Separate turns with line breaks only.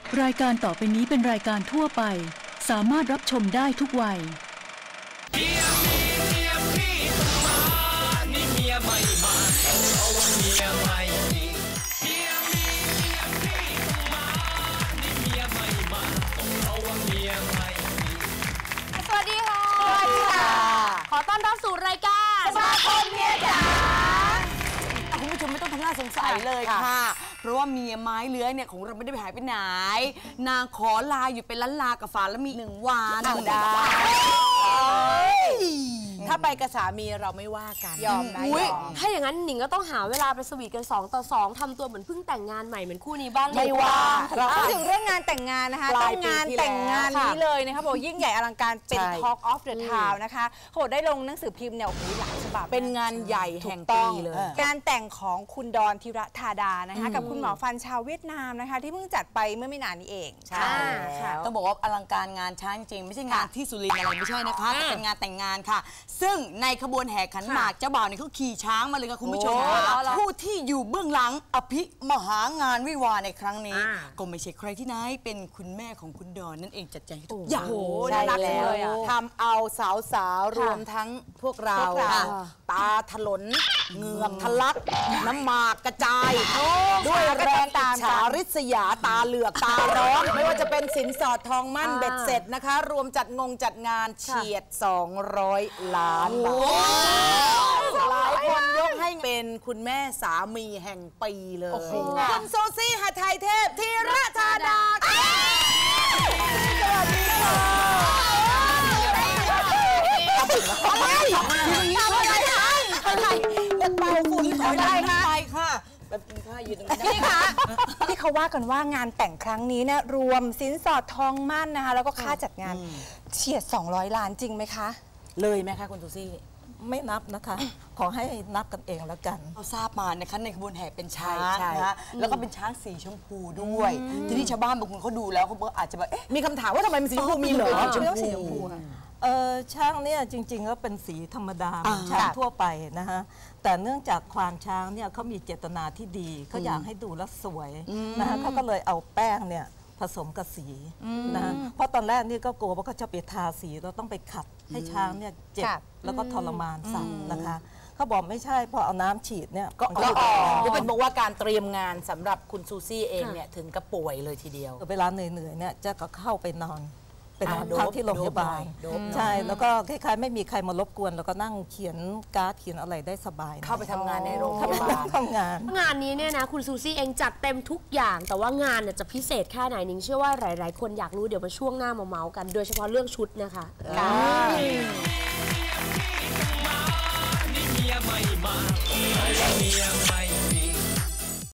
รายการต่อไปนี้เป็นรายการทั่วไปสามารถรับชมได้ทุกวัยเมียพี่ต้องมานี่เมียไม่มาเอาว่าเมียไม่มีเมียพี่ต้องมานี่เมียไม่มาเอาว่าเมียไม่มี
สวัสดีค่ะสวัสดีค่ะขอต้อนรับสู่รายการสมาคมเมียจ๋าคุณผู้ชมไม่ต้องทำหน้าสงสัยเลยค่ะเพราะว่าเมียไม้เลื้อยเนี่ยของเราไม่ได้ไปหายไปไหนนางขอลาอยู่เป็นล้านลากับฝาแล้วมี1 วันได้
ถ้าไปกับสามีเราไม่ว่ากัน
ยอมนะถ้าอย่างนั้นหนิงก็ต้องหาเวลาไปสวีทกัน2 ต่อ 2ทำตัวเหมือนเพิ่งแต่งงานใหม่เหมือนคู่นี้บ้าง
ไม่ว่าพูดถึงเรื่องงานแต่งงานนะคะต้องงานแต่งงานนี้เลยนะคะบอกยิ่งใหญ่อลังการเป็น Talk of the Town นะคะโหได้ลงหนังสือพิมพ์เนี่ยโอ้โหหลายฉบับเป็นงานใหญ่แห่งปีเลยงานแต่งของคุณดอนธีรธาดานะคะกับคุณหมอฟันชาวเวียดนามนะคะที่เพิ่งจัดไปเมื่อไม่นานนี้เอง
ใช่
ต้องบอกว่าอลังการงานช้างจริงไม่ใช่งานที่สุรินทร์อะไรไม่ใช่นะคะแต่เป็นงานแต่งงานค่ะซึ่งในขบวนแห่ขันหมากเจ้าบ่าวเนี่ยเขาขี่ช้างมาเลยค่ะคุณผู้ชมผู้ที่อยู่เบื้องหลังอภิมหางานวิวาห์ในครั้งนี้ก็ไม่ใช่ใครที่ไหนเป็นคุณแม่ของคุณดอนนั่นเองจัดแจงทุกอย่าง
น่ารักเลยทำเอาสาวๆรวมทั้งพวกเราตาถลนเหงือกทะลักน้ำหมากกระจายด้วยแรงอิจฉาริษยาตาเหลือกตาร้อนไม่ว่าจะเป็นสินสอดทองมั่นเบ็ดเสร็จนะคะรวมจัดงานเฉียด200 ล้านบาทหลายคนยกให้เป็นคุณแม่สามีแห่งปีเลยคุณโซซี่หทัยเทพธีรธาดาสวัสดีค่ะอะไรเป่าฝุ่นอะไรคะค่ะแบบกินข้าวยืนตรงนี้พี่คะที่เขาว่ากันว่างานแต่งครั้งนี้เนี่ยรวมสินสอดทองมั่นนะคะแล้วก็ค่าจัดงานเฉียด200 ล้านจริงไหมคะเลยไหมคะคุณซูซี่
ไม่นับนะคะขอให้นับกันเองแล้วกัน
เราทราบมานะคะในขบวนแห่เป็นช้างนะคะแล้วก็เป็นช้างสีชมพูด้วยทีนี้ชาวบ้านบางคนเขาดูแล้วเขาอาจจะแบบ
มีคำถามว่าทำไมมันสีชมพูมีเหรอ
ช้างเนี่ยจริงๆก็เป็นสีธรรมดาช้างทั่วไปนะคะแต่เนื่องจากควานช้างเนี่ยเขามีเจตนาที่ดีเขาอยากให้ดูแล้วสวยนะคะเขาก็เลยเอาแป้งเนี่ยผสมกับสีนะเพราะตอนแรกนี่ก็กลัวว่าเขาจะไปทาสีเราต้องไปขัดให้ช้างเนี่ยเจ็บแล้วก็ทรมานสัตว์นะคะเขาบอกไม่ใช่พอเอาน้ำฉีดเนี่ย
ก็เป็นบอกว่าการเตรียมงานสำหรับคุณซูซี่เองเนี่ยถึงกับป่วยเลยทีเดียว
เวลาเหนื่อยๆเนี่ยจะก็เข้าไปนอนเป็นพักที่โรงพยาบาลใช่แล้วก็คล้ายๆไม่มีใครมารบกวนแล้วก็นั่งเขียนการ์ดเขียนอะไรได้สบาย
เข้าไปทำงานในโรงพยาบาล
ทำง
านนี้เนี่ยนะคุณซูซี่เองจัดเต็มทุกอย่างแต่ว่างานเนี่ยจะพิเศษแค่ไหนนิ้งเชื่อว่าหลายๆคนอยากรู้เดี๋ยวมาช่วงหน้ามาเมาส์กันโดยเฉพาะเรื่องชุดนะคะนี่เมียไม่มาเมียไม่